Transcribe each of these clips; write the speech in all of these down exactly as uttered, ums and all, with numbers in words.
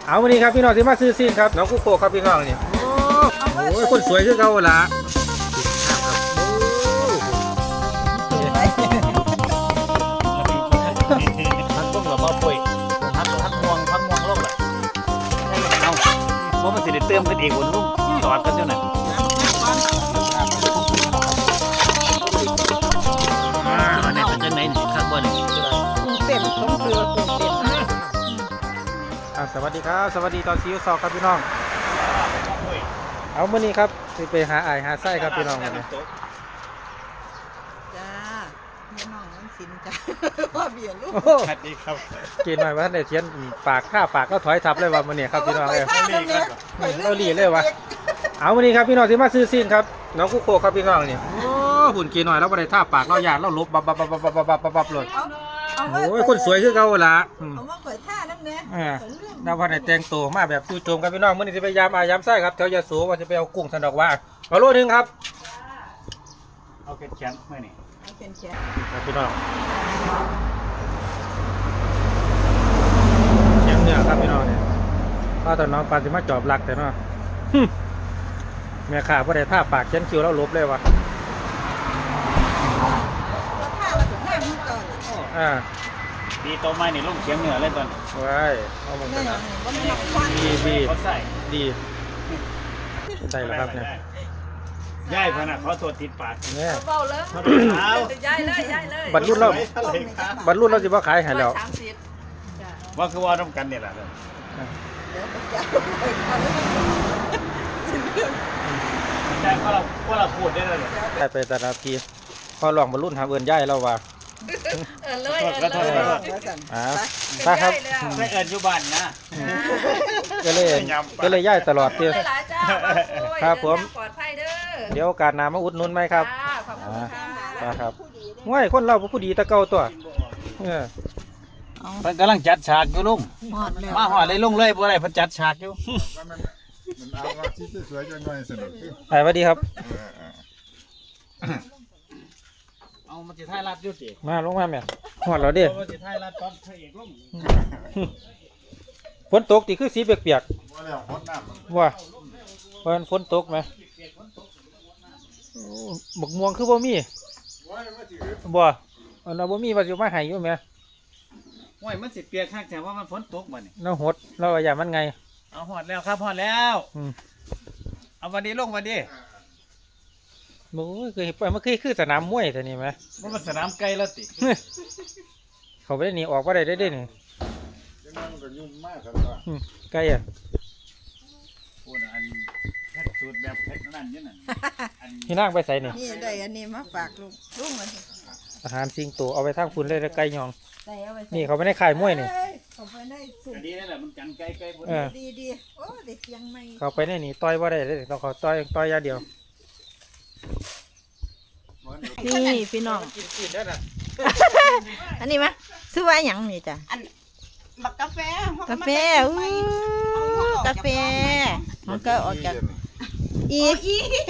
เอาวันนี้ครับพี่น้องที่มาซื้อซีนครับน้องกุ๊กโกครับพี่น้องนี่โอ้ยคนสวยคือเขาละพักต้มกับมะป่วยพักพักม่วงพักม่วงโลกแหละเอาเพราะมันสิได้เติมกันเองบนลูกจอดกันเจ้าหน่อยอันนี้เป็นจังไหนนี่ข้างบนนี่เต็มต้องเกลือเต็มเต็มสวัสดีครับสวัสดีตอนซีอิ๊วซอครับพี่น้องเอาวันนี้ครับไปหาไอหาไส้ครับพี่น้องวันนี้จ้าแม่น้องน้ำสินจ้าว่าเบียร์ลูกสวัสดีครับกินหน่อยว่าท่านได้เทียนปากข้าปากก็ถอยทับเลยว่าวันนี้ครับพี่น้องเลยเราหลีเลยวะเอาวันนี้ครับพี่น้องที่มาซื้อซีนครับน้องกุ๊กโกครับพี่น้องนี่โอ้หุ่นกินหน่อยแล้วบ่ได้ท่าปากเราหยาดเราลบบับบับบับบับบับบับบับเลยโอ้ยคนสวยคือเขาละเอามาเปิดท่าน้ำเนื้ออ่าดาวพันธุ์แต่งตัวมาแบบจู่โจมกันพี่น้องเมื่อนี้จะไปยามอายามไส้ครับแถวยาสูว่าจะไปเอากุ้งสันดอกว่าเอาโลนึงครับเอาแขนๆเมื่อนี่เอาเป็นแขนครับพี่น้องเชียงเนี่ยครับพี่น้องเนี่ยข้าวตอนน้องปานสิมาจอบหลักแต่เนาะแม่ข่าพอได้ท่าปากเชียนคิวแล้วลบเลยวะตัวท่าเราถึงห้ามมันก่อนอ่าดีโตไม้นี่ลงเฉียงเหนือเลยตอนไว้เอาลงแม่กันน้อนะงว่ามันหนักควันดีดีเขาใส่ดีได้แล้วครับเนี่ยย่ายพนักเขาตัวติดปากเนี่ยเบาเลยเอาย้ายเลยย้ายเลยบรรลุเราบรรลุเราจะว่าขายให้แล้วสามสิบว่าคือว่าต้องกันเนี่ยแหละเดี๋ยวมันจะไปก่อนใช่เพราะเราเพราะเราพูดได้เลยได้ไปแต่ละทีพอลองบรรลุหาเอินย่ายเราว่าเออเลยเออเลยอ่าไปครับไม่เอิญอยู่บ้านนะก็เลยก็เลยย่ายตลอดเตี้ยหลายเจ้าครับผมปลอดภัยเด้อเดี๋ยวโอกาสหน้ามาอุดหนุนไหมครับขอบคุณค่ะครับง่ายคนเราผู้ดีตะเก่าตัวเออเพิ่นกำลังจัดฉากอยู่ลุงหอดแล้วมาหอดเลยลุงเลยบ่ได้เพิ่นจัดฉากอยู่มันเอาว่าที่สวยๆจังหน่อยสนุกไปสวัสดีครับเอามาสิท้ายรัดอยู่ติมาลงมาแม่หอดเราดิมาสิท้ายรัดตอนพระเอกลงฝนตกตีคือสีเปียกว่าแล้วฮดน้ำๆว่าเพราะฝนตกไหมบักม่วงคือบ่มีบ่เอาเราบ่มีว่าสิมาให้อยู่แม่โอ้ยมันสิเปียกคักแต่ว่ามันฝนตกบ่นี่เราหดเราว่าอย่ามันไงเอาหอดแล้วครับหอดแล้วอืมเอาวันนี้ลงวันนี้โอ้ยเคยไปมันคือคือสนามมวยแต่นี่ไหมมันเป็นสนามไก่แล้วติเขาไปได้หนีออกว่าได้ได้ได้นี่จังนั้นก็ยุ่งมากครับว่าอืมไกลอ่ะโอ้ยอันแค่สูตรแบบเพชรนั่นนี่น่ะอันพี่นางไปใส่นี่นี่ได้อันนี้มาฝากลูกลูกมันอาหารสิงโตเอาไปทางคุณเลยแล้วไก่ยองใส่เอาไปนี่เขาไม่ได้ขายมวยนี่เขาไปได้สุดอันนี้นั่นแหละมันกันไก่ไก่พวกเอนี้อดีดีโอ้เด็กยังไม่เขาไปได้หนีต่อยว่าได้เลยต้องเขาต่อยต่อยอยางเดียวนี่พี่น้องกินกินได้น่ะอันนี้มะซื้อไว้หยังนี่จ้ะบักกาแฟกาแฟอู้กาแฟมันก็ออกจากอีก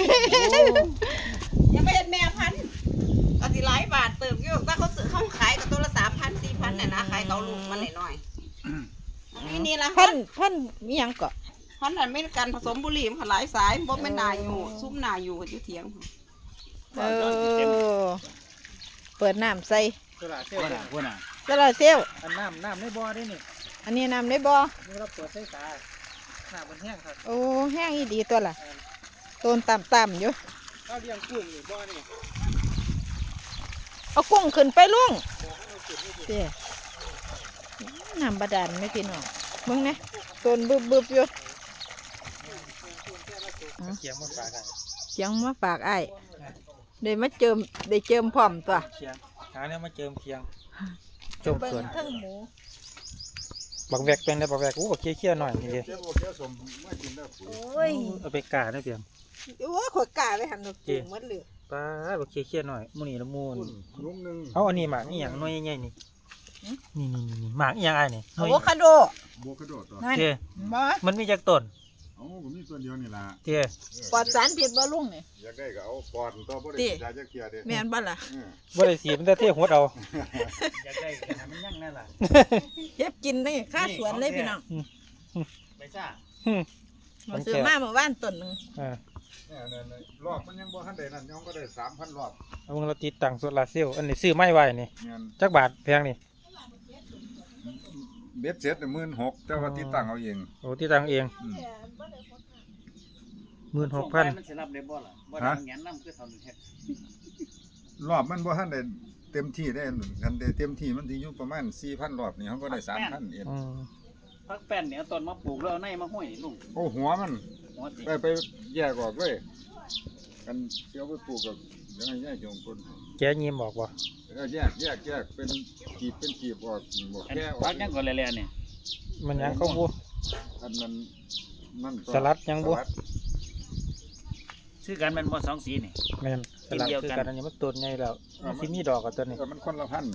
ยังไม่เห็นแม่พันธุ์ก็สิหลายบาทเติมอยู่ถ้าเขาซื้อเขาขายกับตัวละสามพันสี่พันเนี่ยนะขายเขาลูกมันหน่อยๆนี่นี่ละพันพันมีหยังเกาะพันธุ์นั้นไม่กันผสมบุหรี่มันหลายสายบ่แม่นนาอยู่ซุ้มนาอยู่อยู่เถียงเออเปิดน้ำใส่ตลาดเซลพวกล์น่ะพวกน่ะตลาดเซลลอันน้ำน้ำในบ่อได้นี่อันนี้น้ำได้บ่นี่เราเปิดใส่ตาหน้าบนแห้งครับโอ้แห้งอีดีตัวล่ะต้นต่ำๆอยู่ข้าวเลี้ยงกุ้งนี่บ่อนี่เอากุ้งขึ้นไปลุงเตี้ยน้ำบาดาลไหม่พี่น้องมึงนะต้นบึบๆอยู่เขียงมาฝากกันเสียงมาฝากไอ้ายได้มาเจิมได้เจิมพร้อมตัวเขียงหาเนี่ยมาเจิมเขียงจมสวนเทั้งหมูบักแวกเป็นได้บักแวกอู้บักเคี้ยวๆหน่อยนี่เดียวเจ้าโอเคสมมากินได้ปุ๋ยโอ้ยเอาไปกาได้เพียงโอ้ยขวดกาไปหันดอกจูงหมดเลยป้าบักเคี้ยวๆหน่อยมูนี่ละมูนนุ่มหนึ่งเอาอันนี้หมากนี่อย่างน้อยใหญ่ๆนี่นี่นี่นี่หมากอหย่างไอ้นี่หน่อะวยโวคาโดโบกระโดดตัวนั่นเจ้มามันมีจากต้นเอาผมมีตัวเดียวนี่ล่ะเจ้ปลอดสารพิษบ่ลุงนี่อยากได้ก็เอาปอดตัวบ่ได้ยาจะเกลียเด้แม่นบ่ล่ะบ่ได้สีมันแต่เที่ยวหัวเอาอยากได้แค่นั้นมันยั่งแน่ล่ะเย็บกินได้ค่าสวนเลยพี่น้องตซ่าอืมมาซื้อมาเมื่อวานต้นหนึงอ่าเนี่ยเนี่ยเนี่ยรอบมันยังบ่ทันได้นั่นยังก็ได้สามพันรอบเอามึงเราติดตั้งโซลาร์เซลล์อันนี้ซื้อไม้ไว้นี่เงินจักบาทแพงนี่เบ็ดเสร็จหมื่นหกแต่ว่าที่ตั้งเอาเองโอ้ติดตั้งเองอืมหมื่นหกพันมันสิรับได้บ่ล่ะบ่ได้แหงนำคือเท่านี้เฮ็ดรอบมันบ่ทันได้เต็มที่ได้คันได้เต็มที่มันสิอยู่ประมาณสี่พันรอบนี่เขาก็ได้สามพันเองอืมพักแป้นเนี่ยเอาต้นมาปลูกแล้วเอาในมาห้อยนี่ลุงโอ้หัวมันหัวติไปไปแยกออกเลยกันเสียวไปปลูกกับยังไงแยกของคนแกยิ้มบอกว่าแล้วแยกแยกแยกเป็นกีบเป็นกีบออกบอกอันแก้ออกพักยังก่อนแล่ๆเนี่ยมันยังเขาบูอันนั้นนั่นก็สลัดยังบ่สลัดชื่อกันแม่นบ่สองสีนี่แม่นสลัดเดียวคือกันกันอันนี้มันต้นใหญ่แล้วมันสิมีดอกกับต้นนี้เออมันคนละพันธุ์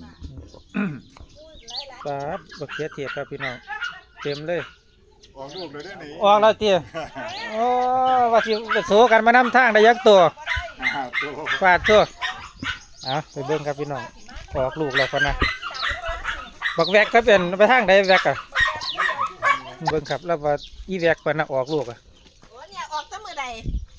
สาดบักเขียเทียบครับพี่น้องเต็มเลยออกลูกเลยได้นี่ออกแล้วเตี้ยโอ้ว่าสิไปโซกันมานำทางได้ยักตัวอ่าตัวฟาดตัวเอาไปเบิ่งครับพี่น้องออกลูกแล้วคนนะบักแวกก็เป็นไปทางใดแวกอ่ะเบิ่งครับแล้วว่าอีแวกเพิ่นน่ะออกลูกอ่ะโอ้เนี่ยออกตั้งมือใด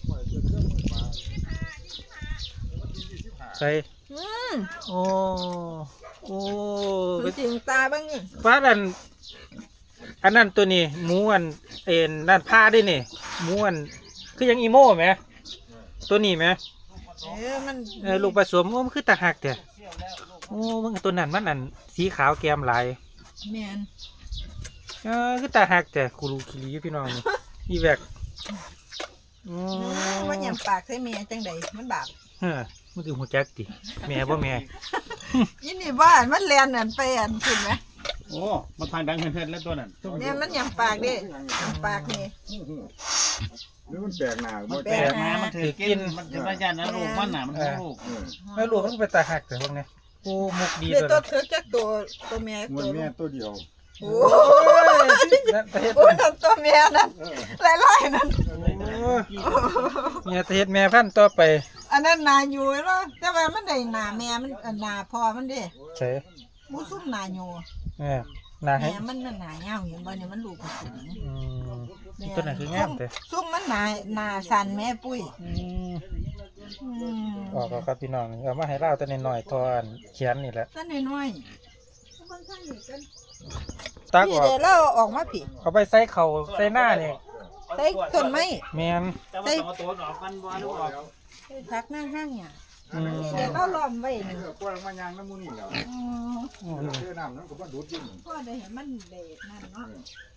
ใส่อืมโอ้โอ้มันจริงตาบ้างฟ้าอันอันนั้นตัวนี้หมูอันเอ็นนั่นผ้าได้นี่หมูอันคือยังอีโม่ไหมตัวนี้ไหมเออมันเออลูกผสมโอ้มันคือตาหักแต่โอ้มันตัวนั้นมันอันสีขาวแก้มลายแมนเออคือตาหักแต่คูรูคิริอยู่พี่น้องนี่อีแวกโอ้มันยังปากใส่เมียจังใดมันบาปเฮ้อมันคือหัวแจ็คติแม่บ่แม่ยินดีบ้านมันเลียนอันไปอันขึ้นไหมโอ้มันทางดังเพิ่นๆแล้วตัวนั้นเนี่ยมันยังปากดิยังปากนี่หรือมันแปลกหน้าบ่แปลแปลกกมามันถือกินมันจะมาย่านนะลูกมันน่ะมันคือลูกเออแล้วลูกมันเป็นตาหักแต่พวกนี้โอ้มุกดีเดี๋ยวตัวตัวนั้นเถือจากตัวตัวเมียมันตัวแม่ตัวเดียวโอ้โอ้ยนั่นประเทศโหตัวเมียนั่นไล่ๆนั่นเมียประเทศแม่พันธุ์ต่อไปอันนั้นนาอยู่แล้วแต่ว่ามันได้นาแม่มันอันนาพ่อมันเด้ใช่มูซุ่มนาอยู่แม่นาให้แม่มันน่ะหนาเงาเห็นบ่เนี่ยมันลูกกระสุนอืมตัวไหนคืองามแต่ซุ่มมันหนาหนาสันแม่ปุ้ยอืมอืมออกเอาครับพี่น้องเอามาให้เล่าแต่น้อยๆทอนเขียนนี่แหละสันน้อยตักๆอพี่อกเดี๋ยวเราออกมาพี่เอาไปใส่เข่าใส่หน้านี่ใส่ต้นไม้แมนแต่ว่าต้องเอาตัวออกกันบ่ลูกออกใส่พักหน้าห้างเนี่ยอืมเดี๋ยวเราล้อมไว้นี่เออกล้วยมายางน้ำมูนี่แล้วอืมอืมเชื่อน้ำนั้นก็บ่ดูดยิ่งพ่อได้เห็นมันเด็ดนั่นเนาะ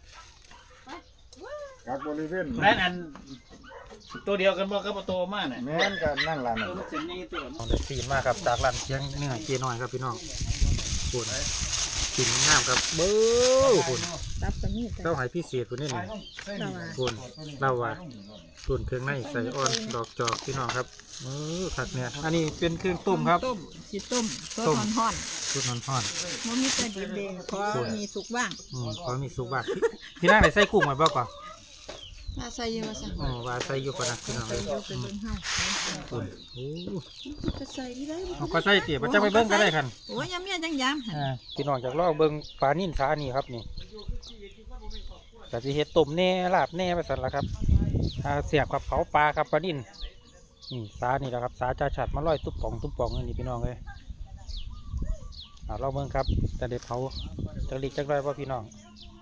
กักบริเวณนั่นอันตัวเดียวกันบ่กับตัวมาน่ะแม่นก็นั่งร้านตันั่วน มันสิใหญ่ตัวเอาได้สีมากครับจากร้านเชียงเนื้อเจียน้อยครับพี่น้องปวดกินงามครับเบ้อคุณรับตรงนี้เต้าหายพิเศษคุณนี่นี่คุณเล่าว่าตุนเครื่องในใส่อ่อนดอกจอกพี่น้องครับเออผักเนี่ยอันนี้เป็นเครื่องต้มครับต้มสิต้มต้ต้มมห่อนตุนห่อนๆมันมีแต่ดิบเดงขอมีสุกบ้างๆอืมพอมีสุกบ้างพี่พี่นั่งไหนใส่กุ้งไว้บ้างก่อนมาใส่เยอะสั่งอ๋อว่าใส่อยู่ก่อนนะพี่น้องใส่เลยเยอะไปเบิ่งเฮาคุณโอ้จะใส่ที่ได้เอาก็ใส่เตี๋ยมันจะไปเบิ้งก็ได้คันโอ้ยยำเนี่ยจังยำอ่าพี่น้องจากลอกเบิ้งปลานิ่นสานี่ครับนี่กะสิเฮ็ดต้มแหน่ลาบแหน่ไปสั่นละครับอ่าเสียบกับเผาปลาครับปลานิ่นนี่สานี่แหละครับสาจ่าฉัดมาลอยตุ๊บป่องตุ๊บป่องอันนี้พี่น้องเลยอ่าลองเบิ้งครับจะได้เผาจะรีกจักไรว่าพี่น้อง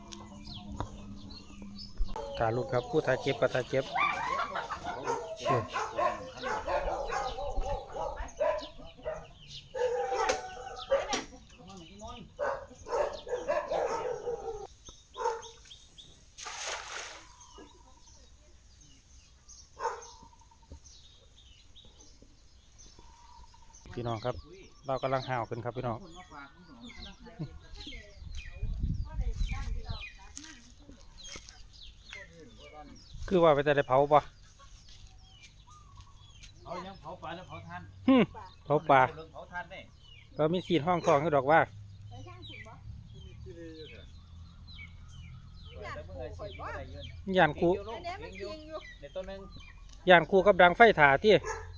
กาลูกครับผู้ทายเก็บกับทายเก็บเชี่ยพี่น้องครับเรากำลังห่าวกันครับพี่น้องคือว่าไปแต่ได้เผาปะเอายังเผาปลาแล้วเผาทานหึเผาปลาเผาทานได้เรามีสีห้องทองก็ดอกว่าแต่เมื่อไหร่สิบ่ได้เยอะย่านคูในต้นนึงย่านคูกับดังไฟถ่าที่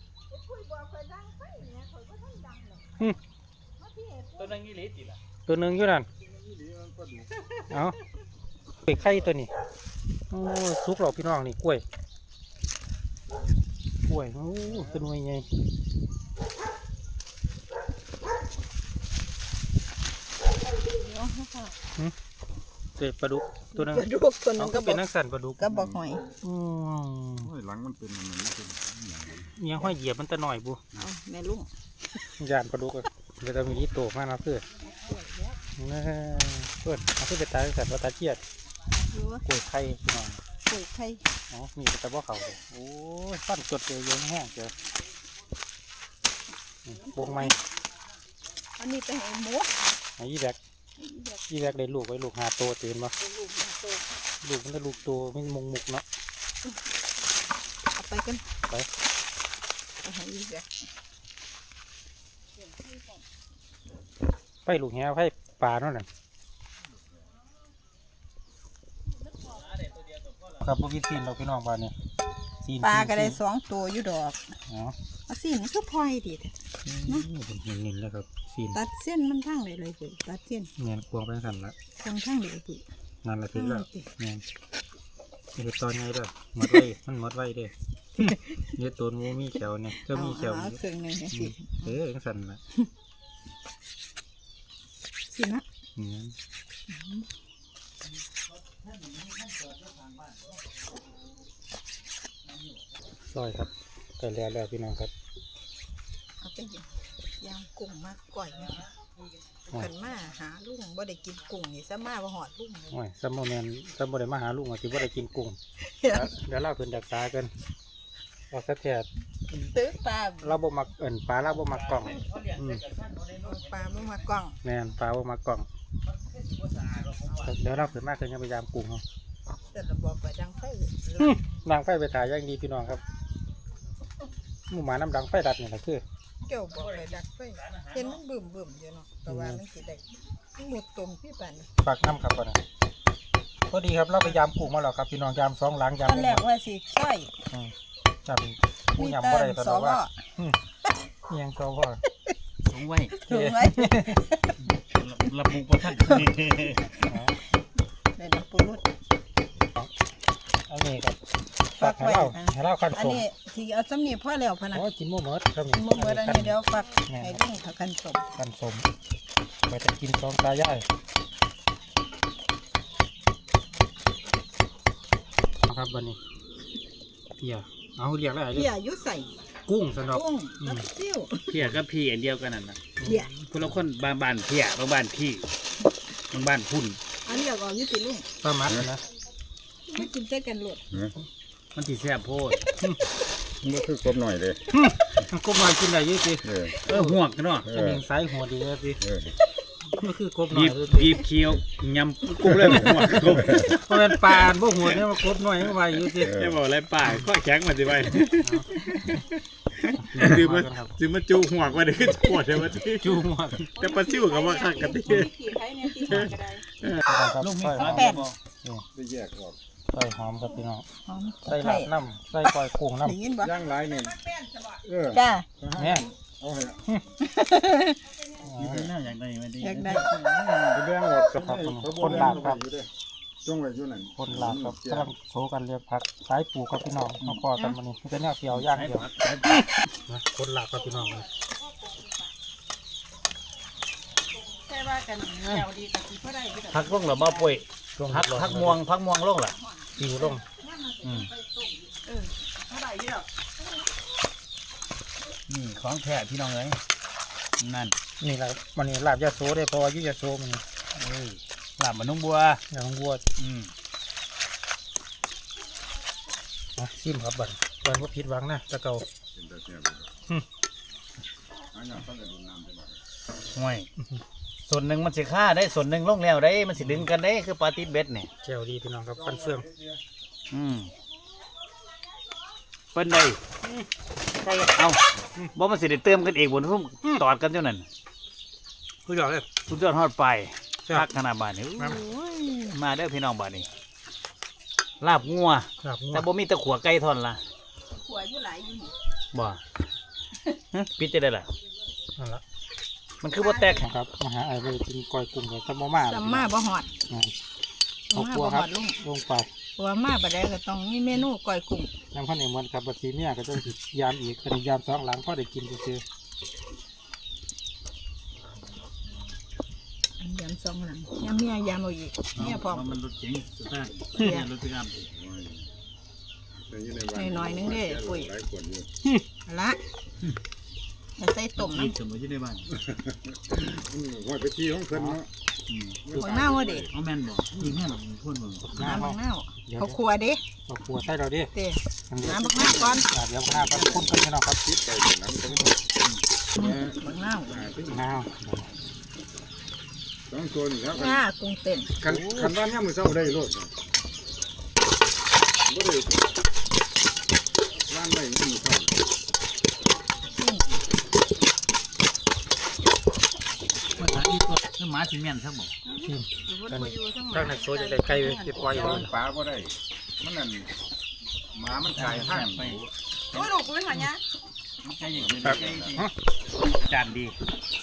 ต้นนึงอีหลีติล่ะตัวหนึ่งอยู่นั่นเอาไปไข่ตัวนี้โอ้สุกหรอกพี่น้องนี่กล้วยกล้วยโอ้เป็นไงไงเด็ดปลาดุกตัวนึงกระดูกตัวหนึเขางก็ก็บเป็อน กนักสั่นปลาดุกก็บอกหอยอืมโอ้ยหลังมันเป็นอันนั้นเป็นเมียห้อยเหยียบมันแต่หน่อยบุเอาแม่ลุงยานปลาดุกอะเดี๋ยวจะมีที่โตมากนะเพื่อนนะเพื่อนเอาขึ้นไปตายสัตว์ว่าตาเจียดดูว่ากล้วยไข่พี่น้องปลูกไข่อ๋อมีแต่ว่าเขาเลยโอ้ยฟันจดเลยเยอะแห้งเจอวงไม้อันนี้ไปให้หมูไอ้ยี่แบกยี่แบกได้ลูกไว้ลูกหาโตตื่นมาลูกมาโตลูกมันจะลูกโตไม่มงมุกเนาะเอาไปกันไปเอาให้อีกแล้วไฟลูกแหวไฟปลาเนาะนั่นครับพวกพี่ซีนเราพี่น้องบ้านเนี่ยซีนปลาก็ได้ซีนสองตัวอยู่ดอกอ๋อเอาสิมันก็พลอยดีแท้นี่เป็นเน้นๆแล้วครับซีนตัดเส้นมันทั้งเลยเลยปุ๋ยตัดเส้นเนียนกวงไปสั่นละทางทั้งเลยปุ๋ยนั่นแหละถึงแล้วอืมเนียนนี่คือตอนไงเด้อหมดไว้มันหมดไว้เด้อ เนี่ยตัวงูมีเขียวเนี่ยก็มีเขียวเอาอยู่เครื่องหนึงให้สิเออจังสั่นละสินะเนี่ยซอยครับแต่แล้วแล้วพี่น้องครับเอาไปยางกุ้งมาก่อยนะคะขันมาหาลุงบ่ได้กินกุ้งนี่ซะมาบ่หอดลุงเลยโอ้ยซัมโมแมนซัมโมได้มาหาลุงอ่ะสิบ่ได้กินกุ้งเดี๋ยวเราเพิ่นดักษากันเราสักแค่ตื้อปลาเราบ่มักเอิ้นปลาเราบ่มักกล่องอืมปลาไม่มากล้องแม่นปลาบ่มักกล่องเดี๋ยวเราเพิ่นมาเพิ่นจะพยายามกุ้งเฮาแต่เราบอกไปดังไฟดังไฟไปถ่ายอย่างดีพี่น้องครับหมู่หมาน้ำดังไฟดัดนี่แหละคือเกี่ยวบอกไปดักไฟเห็นมันบึมบึมอยู่เนาะแต่ว่ามันสิได้มันหมดตรงพี่ปานฝากน้ำครับก่อนนะพอดีครับเราไปยามกุ้งมาแล้วครับพี่น้องยามสองหลังยามตอนแรกว่าสิช่วยอืมจำผู้ยำบ่ได้ตอนสนั้นวว่าอืมเอียงก็ว่าสูงไว้ถูกไหมระบุประทัดได้น้ำปูรุดอันนี้ครับฝากให้เราให้เราขั้นอันสมนี้ที่เอาสำนีพ่อแล้วพะนะโอ้ยกินหมูหมดครับกินมุกเมื่ออันนี้เดี๋ยวฝักให้ดิ้งเขากันสมขั้นสมไปจะกินสองตายายเอาครับวันนี้เพียเอาเรียกอะไรเรีเพียยกยุใส่กุ้งสนอกกุ้งกับซิ่วเพียกับพี่อันเดียวกันนั่นนะเพียคนละคนบางบ้านเพียบางบ้านพี่บางบ้านพุ่นอันนี้ก็ยุติลุงปลามัดนะไม่กินใส่กันหลดมันที่แซ่บโพดมันคือกบหน่อยเลยกบมากินได้เยอะสิเออเออห่วงกันเนาะเอจะอมีสายหัวดีเลยสิเออก็คือกบหน่อบียบเลยบีบเคี้ยวยำกุ้งเลยห่วงกุ้งเพราะเป็นปลาพวกหัวเนี่ยมันกบหน่อยมันไวอยู่สิจะบอกอะไรป่าข้อแข็งมาสิไปซื้อมาซื้อมาจูห่วงมาได้ขึ้นปวดเลยว่าที่จูหมดแต่ปลาซิ่วกับว่าขักกันที่ขี่ไผ่เนี่ยขี่หางก็ได้ลูกมีใส่ขาหอมแป้งได้แยกออกใส่หอมครับพี่น้องหอมใส่ลาบน้ำใส่กอยกุ้งน้ได้ยินบ่ย่างหลายเนี่ยเออจ้าำเนี่ยเอาให้น่าอยากได้ไหมดีอยากได้ไปแบ่งออกครับคนลาบครับจงไว้อยู่นั่นคนลาบครับกำลังโชว์กันเรียกผักสายปูครับพี่น้องมาพอกันวันนี้เป็นแนวเกี่ยวย่างเดียวนะคนลาบครับพี่น้องเลยใช่ว่ากันแถวดีกับที่พ่อได้ที่พักลงหรือมาป่วยพักพักม่วงพักม่วงลงหรอปิวลงอืมพ่อได้ที่ดอกนี่ของแท้พี่น้องเลยนั่นนี่แหละวันนี้ลาบยาโซได้เพราะว่าอยุยาโซมันเอ้ยลาบมันนุ่งบัวอย่างวัวอืมนะซิมครับบันบันว่าผิดหวังนะตะเกาเป็นตาแซ่บอันนี้ต้องได้ดูน้ำไปหน่อยห่วยส่วนหนึ่งมันสิฆ่าได้ส่วนหนึ่งลงแล้วได้มันสิดึงกันได้คือปลาติดเบ็ดเนี่ยแจวดีพี่น้องครับฟันเฟืองอืมเป็นไดเอาบ่มันสิได้เติมกันเองบนทุ่มตอดกันเท่านั้นผู้ยอดเลยสุดยอดฮอดไปแซ่บพักขนาดบาทนี้ครับมาเด้อพี่น้องบาทนี้ลาบงัวครับงัวแต่บ่มีแตะขัวไก่ทอนละหัวอยู่หลายอยู่นี่บ่ฮะปิดจะได้ล่ะนั่นละมันคือบ่แตกนะครับมาหาไอ้ไปกินกอยกุ้งกับซัมโมมาจำมาบ่หอดเอาครัวครับลงไปว่ามาบ่ได้ก็ต้องมีเมนูก้อยกุ้งยังพันเอมวันครับบัดทีเมียก็ต้องสิยามอีกอันนี้ยามสองหลังพอได้กินซื่ออันยำสองหลังยำเมียยำเอาอีกเมียพร้อมมันรถเก๋งสตาร์ทเนี่ยรถปิกอัพหน่อยๆนึงเด้ปุ้ยหลายคนอยู่เอาละมาใส่ต้มกินน้ำสมุนอยู่ในบ้านอืมว่าไปที่ของเพิ่นเนาะอืมหัวหน้าว่าเด็กเอาแม่นบ่ยิงแม่นบ่คนบ่ๆน้ำบักหน้าวเดี๋ยวเขาครัวเด้เอาครัวใส่เราดิเต้เดี๋ยวน้ำบักหน้าวก่อนอ่าเดี๋ยวข้าวก็คุ้นกันพี่น้องครับคิดไปแต่นั้นต้องเนี่ยบักหน้าวหาที่น้าวสองตัวนี่ครับหน้ากุ้งเต้นคันคันว่าเนี่ยมือเศร้าได้รถบ่ได้ร้านได้มือเศร้าภาษาอีกก็คือหมาสิแม่นซะบ่ชิมมันบ่อยู่ทั้งหมข้างดในโซ่จะได้ไก่ไว้เก็บไว้อยู่ปลาบ่ได้มันนั่นหมามันกายท่านไปโอ้ยลูกกูเป็นหัวเนี้ยใช่อย่างนี้ครับฮะจานดี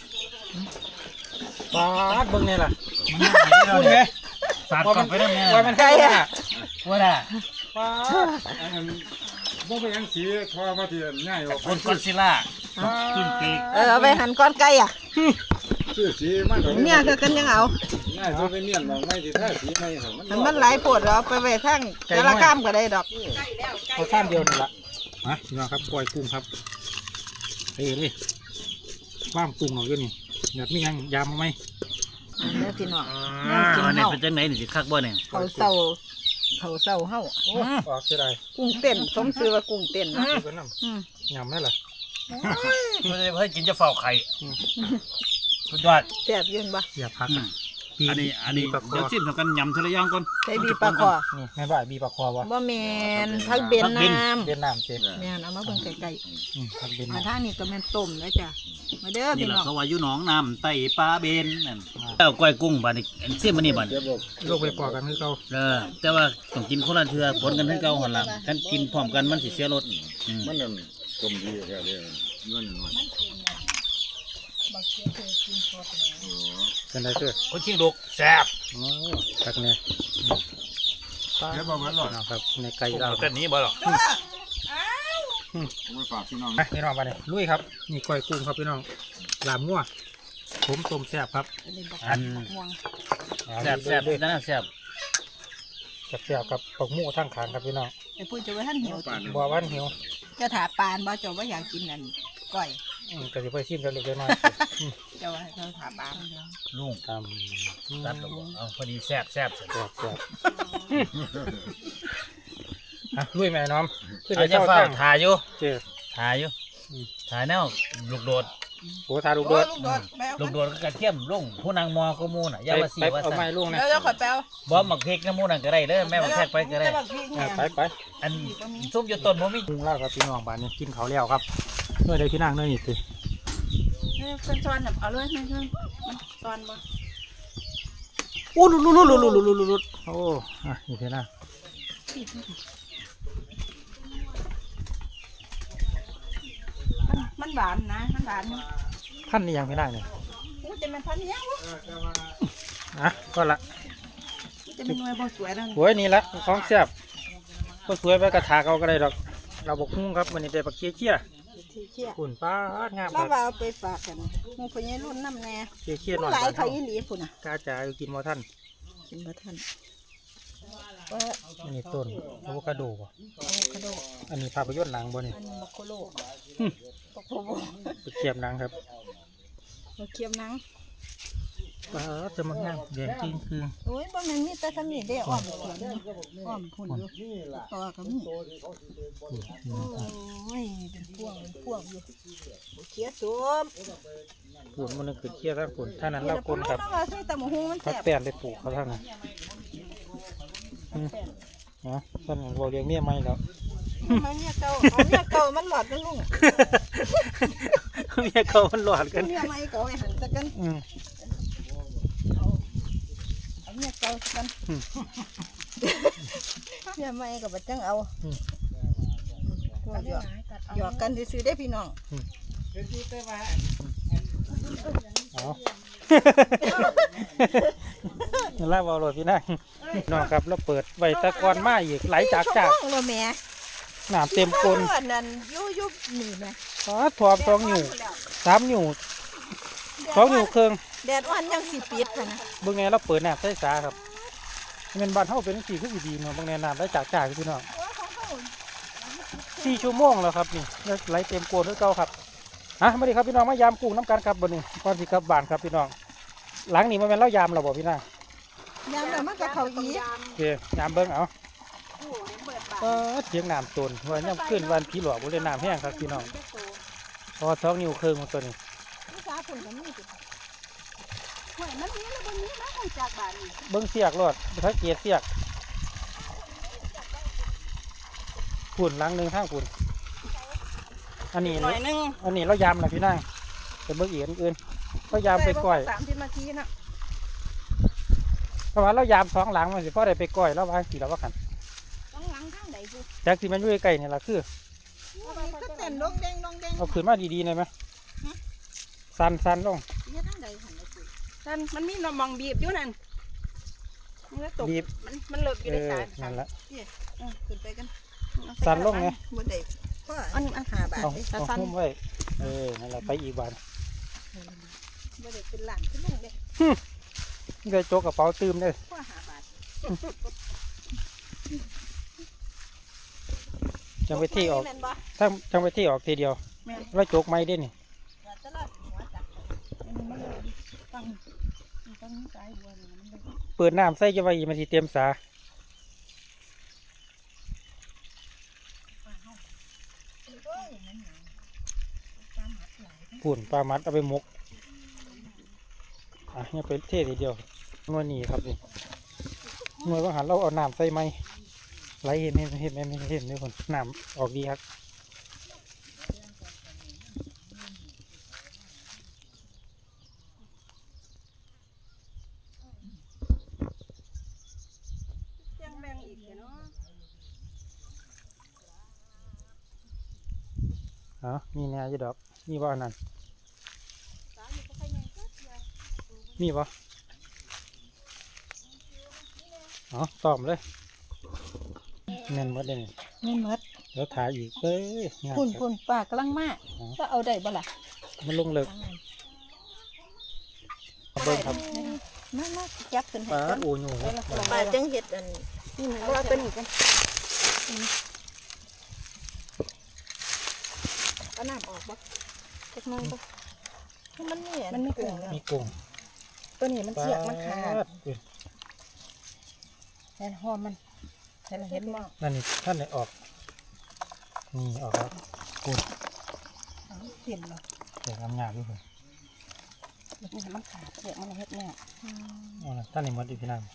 ปลาดเบิ่งนี่ล่ะมันไม่ได้พูดเลไงยสาดก่อนไปได้แม่ว่ามันไก่อ่ะว่าได้ปลาดอันนั้นบ่ไปยังสีทอมาที่ง่ายออกคนกอดซิล่าขึ้นปีกเออเอาไปหั่นก้อนไก่อ่ะชื่อสีมันเมียก็กันยังเอาง่ายจะไปเมียนมองไม่ที่ท่าสีไม่หั่นมันมันหลายปวดเอาไปไว้ข้างแต่ละก้ามก็ได้ดอกใกล้แล้วใกล้เอาข้ามเดียวนี่ล่ะมาพี่น้องครับปล่อยกุ้งครับเอ้ยเลยว่างกุ้งหน่อยอยู่นี่แบบมียังยามมาไหมอันนี้พี่น้องอ่าอันนี้เป็นจังไหนนี่สิคักบ่เนี่ยเขาเศร้าเขาเศร้าเฮาโอ้ออกเสียดายกุ้งเต้นสมชื่อว่ากุ้งเต้นนะดูกันน้อืมำยำได้ล่ะเพื่อให้กินจะเฝ้าไข่สุดยอดแซ่บอยืนบ่อย่าพักอันนี้อันนี้บีปลาคอเดี๋ยวชิมเท่ากันยำทีละอย่างก่อนใส่บีปลาคอนี่แม่บ่ายบีปลาคอวะบ่แม่นผักเบนน้ำเวียดนามเจ๊แม่นเอามาเบิ่งไกลอืมพักเบนๆนาอาม ทางนี้ก็แม่นต้มแล้วจ้ะมาเด้อนี่พี่แหละน้องเขาว่าอยู่หนองน้ำไต่ปลาเบนนั่นแล้วก้อยกุ้งบาดนี้อันเสียมันนี่บาดเดี๋ยวบอกโลกไปปอกกันคือเขาเออแต่ว่าต้องกินคนละเทือผลกันทั้งเก่าหันหลังกันกินพร้อมกันมันสิเสียรสอืมมันนั่นกลมดีแค่เดียวเงินน้อยเป็นไรเกิดคนชิงลูกแซ่บโอ้ตักเนี่ยเดี๋ยวบอกมันหรอกนะครับในไก่เราเต้นนี้บ่หรอกผมไปฝากพี่น้องไปพี่น้องมาเลยลุยครับนี่ก้อยกุ้งครับพี่น้องลาบงัวผมต้มแซ่บครับอันแซ่บแซ่บนั่นนะแซ่บแซ่บแซ่บครับปักหมูทั้งขางครับพี่น้องไอ้ปุ้ยจะไว้ท่านหิวป่านบัววันหิวจะถาปานบ่เจ้าว่าอยากกินอันก้อยอืมก็จะไปชิมกันเล็กน้อยเจ้าว่าให้เขาถาปานลุงทำตัดแล้วบ่เอาพอดีแซ่บแซ่บแซ่บแซ่บแซ่บอ่ะลุยแม่น้อมขึ้นไปอาจจะเศร้าเฝ้าจ้างถ่ายอยู่เจอถ่ายอยู่ถ่ายแนวลูกโดดโหทาลูกโอ้เบิยดลูกโดดแปลลูกโดดก็กระเทียมลุงผู้นางมอก็มูน่ะอยาว่าสีไปว่าเอาไม้สั่นลูกนะแล้วเจ้าขอแปลวบ่หมักพริกน้ำมูนั่นก็ได้เด้อแม่หมักแทกไปก็ได้อ่ะไปไปอันซุปอยู่ต้นบ่มีปรุงแล้วครับพี่น้องบ้านนี้กินเขาวแล้วครับเมื่อใดพี่นางเนื่อยนี่สิเป็นซ้อนแบบเอาเลยไม่ใช่ซ้อนบ่อู้ลุลุลุลุลุลุลุลุลุโอ้อ่ะนี่พี่นางมันหวานนะมันหวานท่านนี่ยังพี่นางเนี่ยมันจะเป็นพันเนี้ยอ่ะก็ละจะเป็นหน่วยบ่สวยนั่นสวยนี่ละของแซ่บก็สวยไปกระถากเอาก็ได้ดอก เราบอกหุ้งครับวันนี้ได้ปักเคี้ยเคี้ยที่เชี่ยปุ่นป้าดงามคเรารับว่าเอาไปฝากกันหมูพญารุ่นน้ำแน่เคี้ยเคี้ยหน่อยหลายบ้านเขาเฮาอีหลีพุ่นน่ะกาจ่าอยู่กินมอท่านกินบ่ทันว่าอันนี้ต้นอะโวคาโดบ่อะโวคาโดอันนี้ภาพยนตร์หนังบ่นี่อันนี้มะโคโลหึมะโคโลไปเทียบหนังครับมะเขียมหนังป้าดจะมางามแดงจริงคือโอ้ยบ่แม่นมีแต่ทำนี่เด้อ้อมสวนอ้อมพุ่นอยู่ต่อก็มีโอ้ยเป็นพวงเป็นพวงอยู่บ่เขียสมปุ่นมันนึงคือเคี้ยทั้งปุ่นท่านั้นเล่าคนครับเราว่าใส่ตำบักหุ่งมันพักแซ่บแป้นไปปลูกเขาทั้งนั้นอืมเนาะท่านเราเลี้ยงเมียไม่แล้วมันเนี่ยเก่าเอาเนี่ยเก่ามันหลอดนะลุงเมียเขามันหลอดกันเนี่ยไม่เก่าไอ้หันตะกันอืมเอาเนี่ยเก่าตะกันเนี่ยไม่ก็บ่จังเอาหยอกหยอกกันซื่อๆได้พี่น้องเอานี่ล่าบอลโหลดพี่นางน้องครับเราเปิดไว้ตะกอนมาอีกไหลจากจากชั่วโมงแล้วแม่น้ำเต็มก้นเพื่อนนั่นอยู่อยู่นี่แม่อ๋อถอมสองนิ้วสามนิ้วสองนิ้วเครื่องแดดอ่อนยังสิปิดค่ะนะเบิ่งแน่เราเปิดน้ำใส่สาครับเป็นบ้านเฮาเป็นสีคือสีดีเนาะเบิ่งแน่น้ำไหลจากจากพี่น้องสี่ชั่วโมงแล้วครับนี่ไหลเต็มก้นด้วยเก่าครับฮะมาดิครับพี่น้องมายามกุ้งน้ำกันครับบ่นี้ก่อนสิกลับบ้านครับพี่น้องหลังนี้มันเป็นเล่ายามเราบ่พี่นางยามแล้วมันก็เข้าอีกโอเคยามเบิ่งเอาเออเสียงน้ำตนว่าย่ำขึ้นวันผีหลอกบ่ได้น้ำแห้งครับพี่น้องพอสองนิ้วครึ่งของตัวนี้ลูกสาวเพิ่นก็มีติห่วยมันมีแล้วบ่มีมาของจากบ้านนี่เบิ้งเสียกรอดสังเกตเสียกฝุ่นหลังหนึ่งข้างฝุ่นอันนี้หน่อยนึงอันนี้เรายำนะพี่นางเป็นเบิ้งอีกอันอื่นเรายำไปก้อยสามสิบนาทีน่ะเพราะว่าเรายำสองหลังมันสิพอได้ไปก้อยแล้ววางสีแล้วว่ากันต้องหลังทางใดบุจากที่มันอยู่ใกล้ๆนี่ละคือก็เต้นลงแดงลงแดงเอาขึ้นมาดีๆหน่อยไหมสันสันลงเฮ็ดทางใดหั่นน่ะสินั่นมันมีน้ำมองบีบอยู่นั่นมันก็ตกบีบมันมันเลิกอยู่เอในอสายนั่นละเออขึ้นไปกันสันลงไงบ่ได้เพราะอันนี้ห้าบาทเอาเด้เอาหุ้มไว้เออนั่นแหละไปอีกบานบ่ได้เป็นล้านขึ้นลงเด้นี่ได้โจกกระเป๋าตืมเลยเพราะห้าบาทจังไปที่ออกแม่นบ่ถ้าจังไปที่ออกทีเดียวแม่นแล้วโจกไม่ได้นี่ว่าจะรอดหัวจักอันนี้มันเลยตั้งตั้งสายบัวนี่มันเลยเปิดน้ำใส่จะไว้มันสิเต็มสาโอ้ยมันหยังตามหัดหลายปุ่นปลามัดเอาไปหมกอ่ะเนี่ยไปเททีเดียวหน่วยนี้ครับนี่หน่วยว่าหันเราเอาน้ำใส่ไหมไหลเห็นเห็นเห็นเห็นเห็นเห็นนี่คนน้ำออกดีครับยังแบ่งอีกเนาะอ๋อมีแนวอยู่ดอกมีบ่อันนั้นมีบ่อ๋อตอมเลยแน่นหมดเลยนี่แม่นหมดเดี๋ยวถ่ายอีกเอ้ยงามพุ่นครับพุ่นป้ากำลังมาก็เอาได้บ่ล่ะมันลงเลิกเบิ้งครับมามาจับขึ้นให้ปลาก่อนโอ้ยโหป้าจังเฮ็ดอันนี่มันว่าเป็นอีกกันเอาน้ำออกบ่จักหนึงบ่มันมีมันมีกุ้งมีกุ้งตัวนี้มันเสียกมันขาดปลอุ้ยแน่นหอมมันเห็นเห็นบ่นั่นนี่ท่านไหนออกนี่ออกแล้วกุ้งเปลี่ยนบ่เสียงงามๆด้วยผมนี่มันขาดเสียกมันเฮ็ดแน่อ๋อนะท่านไหนมดอยู่พี่นั่ง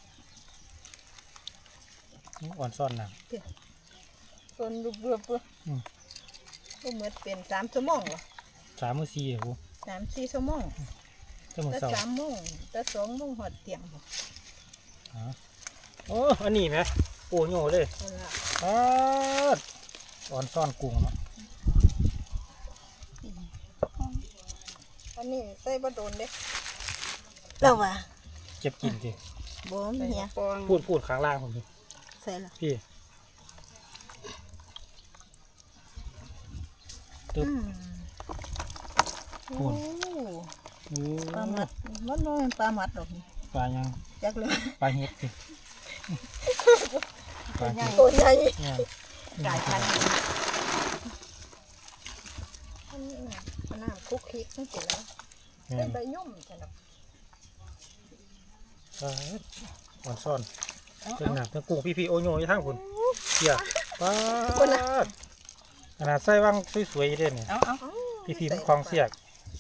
นี่อ่อนซ่อนน้ส่วนรูปๆบ่อืมก็เหมือนเป็นสามชั่วโมงเหรอำสามมือสี่หูสามสี่ชั่วโมงเจ้ามือแต่เสาสามโมงแต่สองโมงหอดเตียงบ่อ๋อโอ้อันนี้ไหมโอ้โหเลยเอาล่ะอ๋ออ่อนซ่อนกุ้งเนาะอันนี้ใส่บ่โดนเด้แล้วว่าเจ็บกินสิบ่มีเหียปองพูดพูดข้างล่างผมดิใส่ละพี่ตึ๊บอืมพูโอ้ด โอ้ปลาหมัดมันบ่เป็นปลาหมัดดอกนี่ปลายังจักเลยปลาเห็ดสิปลาเห็ดตัวใหญ่เนี่ยกลายพันธุ์อันนี้น่ะอันน้ำคุกคิกจังซี่แล้วเนี่เป็ยนใบยุ่มจังดอกปลาอ่อนซ่อนเครื่องหนักเครื่องกุ้งพี่พี่โอโยอยู่ทางคุณเกี่ยปลาขนาดใส่ว่างสวยๆเลยเนี่ยเอาเอาพี่พี่มันคลองเสียก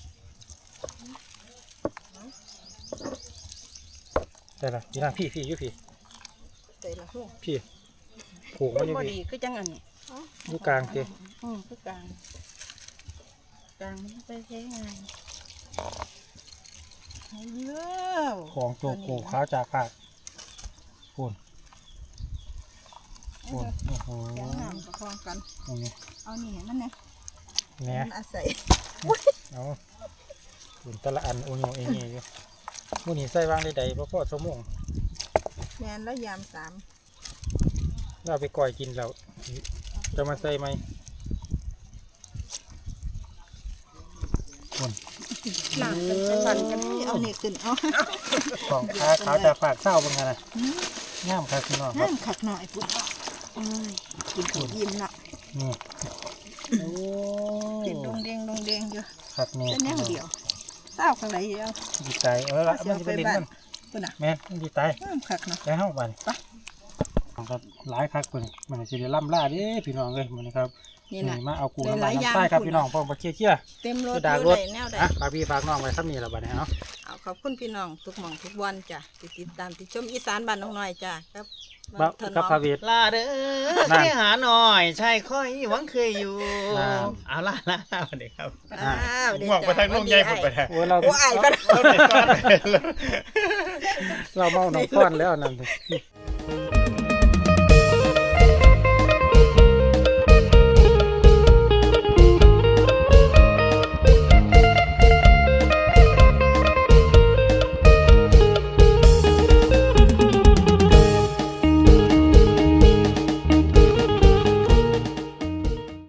ได้ละพี่นางพี่พี่อยู่พี่ใส่ละหูพี่ผูกไว้อยู่พอพี่ดีคือจังอันนี้อยู่กลางเจ้อืมคือกลางกลางมันไปใช้งานเลิวของตัวโกขาวจากขาดปูนปูนโอ้โหเสียงน้ำประคองกันเอาเนี่ยเอานี่มันเนี่ยเนี่ยมันอาศัยเอาปูนแต่ละอันโอโยเองนี่อยู่มื้อนี้ใส่วางได้ใดบ่พอชั่วโมงแม่นแล้วยามสามเราไปก่อยกินแล้วจะมาใส่ไหมหลังกันเป็นวันกันที่เอานี่ขึ้นเอาของขาขาวจากปากเศร้าเป็นไงนะง่ามครับพี่น้องครับน้ำขัดหน่อยปุ๊บเอ้ยกินของยิ้มละนี่โอ้กินดงเดงดงเดงอยู่ขัดนี่เป็นแนวเดียวเศร้าข้างไหนเดียวดีใจเออละมันจะเป็นลิ้นมันปุ่นอ่ะแม่นมันดีใจน้ำขัดเนาะแล้วเข้าไปของครับหลายคักคนมันสิได้ล่ำล่าเด้พี่น้องเลยมันนะครับนี่นี่นะมาเอากุ้งน้ำหมัลาน ยๆน้ำใต้ครับอย่างพี่น้องพร้อมมาเคี่ยวเคี่ยวเต็มรถคือดากอรยู่ถได้แนวใดอ่ะฝากพี่ฝากน้องไว้ซ้ำนี่ละบัดนี้เนาะเอาขอบคุณพี่น้องทุกหม่องทุกวันจ้ะที่ติดตามที่ชมอีสานบ้านน้องน้อยจ้ะครับบ่ถนกับอมพาเวทลาเด้อนั่นที่หาหน่อยใช่ค่อยหวังเคยอยู่นั่นเอาล่ะล่ะสวัสดีครับอ้าวเดี๋ยวหวังไปทางลุงใหญ่ผมไปทางโอ้เราโอ้ไอ้ปะเราไปก่อนเราเมาหนองก้อนแล้วนั่นสิ